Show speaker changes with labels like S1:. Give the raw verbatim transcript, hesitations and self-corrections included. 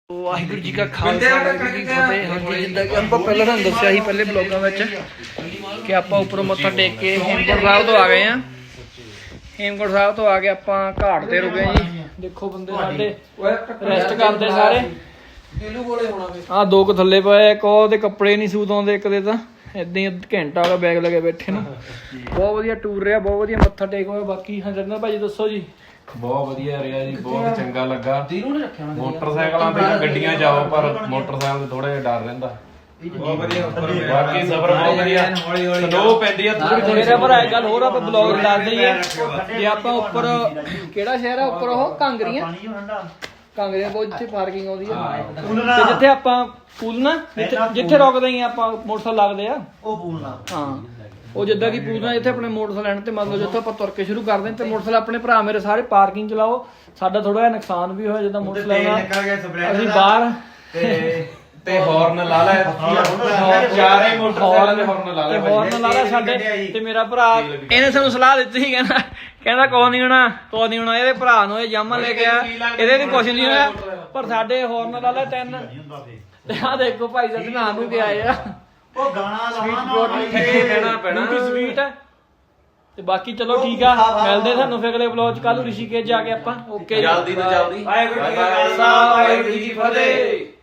S1: ਵਾਹਿਗੁਰੂ ਜੀ ਕਾ ਖਾਲਸਾ ਵਾਹਿਗੁਰੂ ਜੀ ਕੀ ਫਤਿਹ। ਹਾਂਜੀ ਜਿੱਦਾਂ ਕਿ ਆਪਾਂ ਪਹਿਲਾਂ ਤੁਹਾਨੂੰ ਦੱਸਿਆ ਸੀ ਪਹਿਲੇ ਬਲੌਗਾਂ ਵਿੱਚ ਕਿ ਆਪਾਂ ਉੱਪਰੋਂ ਮੱਥਾ ਟੇਕ ਕੇ ਹੇਮਕੁੰਟ ਸਾਹਿਬ ਤੋਂ ਆ ਗਏ ਆ। ਹੇਮਕੁੰਟ ਸਾਹਿਬ ਤੋਂ ਆ ਕੇ ਆਪਾਂ ਘਾਟ ਤੇ ਰੁਕੇ ਜੀ। ਦੇਖੋ ਬੰਦੇ ਸਾਡੇ ਰੈਸਟ ਕਰਦੇ ਸਾਰੇ। ਆਹ ਦੋ ਕੁ ਥੱਲੇ ਪਏ, ਇੱਕ ਉਹਦੇ ਕੱਪੜੇ ਨਹੀਂ ਸੂਤ ਆਉਂਦੇ, ਇੱਕ ਦੇ ਤਾਂ ਏਦਾਂ ਹੀ ਘੰਟਾ ਹੋ ਗਿਆ ਬੈਗ ਲੈ ਕੇ ਬੈਠੇ ਨੂੰ। ਬਹੁਤ ਵਧੀਆ ਟੂਰ ਰਿਹਾ, ਬਹੁਤ ਵਧੀਆ ਮੱਥਾ ਟੇਕ ਹੋਇਆ। ਬਾਕੀ ਹਰਜਿੰਦਰ ਭਾਜੀ ਦੱਸੋ ਜੀ।
S2: ਬਹੁਤ ਵਧੀਆ ਰਿਹਾ ਜੀ, ਬਹੁਤ ਚੰਗਾ ਲੱਗਾ। ਮੋਟਰਸਾਈਕਲਾਂ ਤੇ ਗੱਡੀਆਂ ਜਾਓ ਪਰ ਮੋਟਰਸਾਈਕਲ ਤੇ ਥੋੜਾ ਜਿਹਾ ਡਰ ਰਹਿੰਦਾ। ਬਹੁਤ ਵਧੀਆ ਬਾਕੀ ਸਫ਼ਰ ਬਹੁਤ ਵਧੀਆ। ਸਲੋ ਪੈਂਦੀ ਆ ਥੋੜੀ ਥੋੜੀ।
S1: ਮੇਰੇ ਭਰਾ ਇੱਕ ਗੱਲ ਹੋਰ ਆਪਾਂ ਬਲੌਗ ਦੱਸਦੇ ਹੀ ਆ ਜੇ ਆਪਾਂ ਉੱਪਰ ਕਿਹੜਾ ਸ਼ਹਿਰ ਆ ਉੱਪਰ ਉਹ ਕਾਂਗਰੀਆਂ ਕਾਂਗਰੀਆਂ ਬਹੁਤ ਜਿੱਥੇ ਪਾਰਕਿੰਗ ਆਉਂਦੀ ਆ ਤੇ ਜਿੱਥੇ ਆਪਾਂ ਪੂਲਨਾ ਜਿੱਥੇ ਰੁਕਦੇ ਹੀ ਆਪਾਂ ਮੋਟਰਸਾਈਕਲ ਲੱਗਦੇ ਆ ਉਹ ਪੂਲਨਾ। ਹਾਂ ਉਹ ਜਿੱਦਾਂ ਕਿ ਪੂਲਨਾ ਜਿੱਥੇ ਆਪਣੇ ਮੋਟਰਸਾਈਕਲ ਲੈਣ ਤੇ ਮਤਲਬ ਜਿੱਥੇ ਆਪਾਂ ਤੁਰ ਕੇ ਸ਼ੁਰੂ ਕਰਦੇ ਤੇ ਮੋਟਰਸਾਈਕਲ ਆਪਣੇ ਭਰਾ ਮੇਰੇ ਸਾਰੇ ਪਾਰਕਿੰਗ ਚਲਾਓ। ਸਾਡਾ ਥੋੜਾ ਜਿਹਾ ਨੁਕਸਾਨ ਵੀ ਹੋਇਆ ਜਿੱਦਾਂ ਮੋਟਰਸਾਈਕਲ ਅਸੀਂ ਬਾਹਰ
S2: ਤੇ ਹਾਰਨ ਲਾ ਲੈ ਚਾਰੇ ਮੋਟਰਸਾਈਕਲ ਦੇ ਹਾਰਨ ਲਾ ਲੈ
S1: ਹਾਰਨ ਲਾ ਲੈ ਸਾਡੇ। ਤੇ ਮੇਰਾ ਭਰਾ ਇਹਨੇ ਸਾਨੂੰ ਸਲਾਹ ਦਿੱਤੀ ਸੀ, ਕਹਿੰਦਾ ਕਹਿੰਦਾ ਕੋਈ ਨਹੀਂ ਹੋਣਾ ਕੋਈ ਨਹੀਂ ਹੋਣਾ। ਇਹਦੇ ਭਰਾ ਨੂੰ ਇਹ ਜਾਮਾ ਲੈ ਕੇ ਆ, ਇਹਦੇ ਵੀ ਕੁਛ ਨਹੀਂ ਹੋਇਆ ਪਰ ਸਾਡੇ ਹਾਰਨ ਲਾ ਲੈ ਤਿੰਨ। ਤੇ ਆਹ ਦੇਖੋ ਭਾਈ ਸਾਹਿਬ ਨਹਾਉਣ ਨੂੰ ਗਏ ਆਏ ਆ।
S3: ਉਹ ਗਾਣਾ
S2: ਕਹਿਣਾ ਪੈਣਾ
S1: ਸਵੀਟ ਹੈ। ਤੇ ਬਾਕੀ ਚਲੋ ਠੀਕ ਆ, ਮਿਲਦੇ ਤੁਹਾਨੂੰ ਫਿਰ ਅਗਲੇ ਵਲੌਗ ਚ ਕੱਲ ਰਿਸ਼ੀਕੇਸ਼ ਜਾ ਕੇ ਆਪਾਂ। ਓਕੇ
S2: ਜਲਦੀ ਤੋਂ ਜਲਦੀ।
S1: ਵਾਹਿਗੁਰੂ ਜੀ ਕਾ ਖਾਲਸਾ ਵਾਹਿਗੁਰੂ ਜੀ ਕੀ ਫਤਿਹ।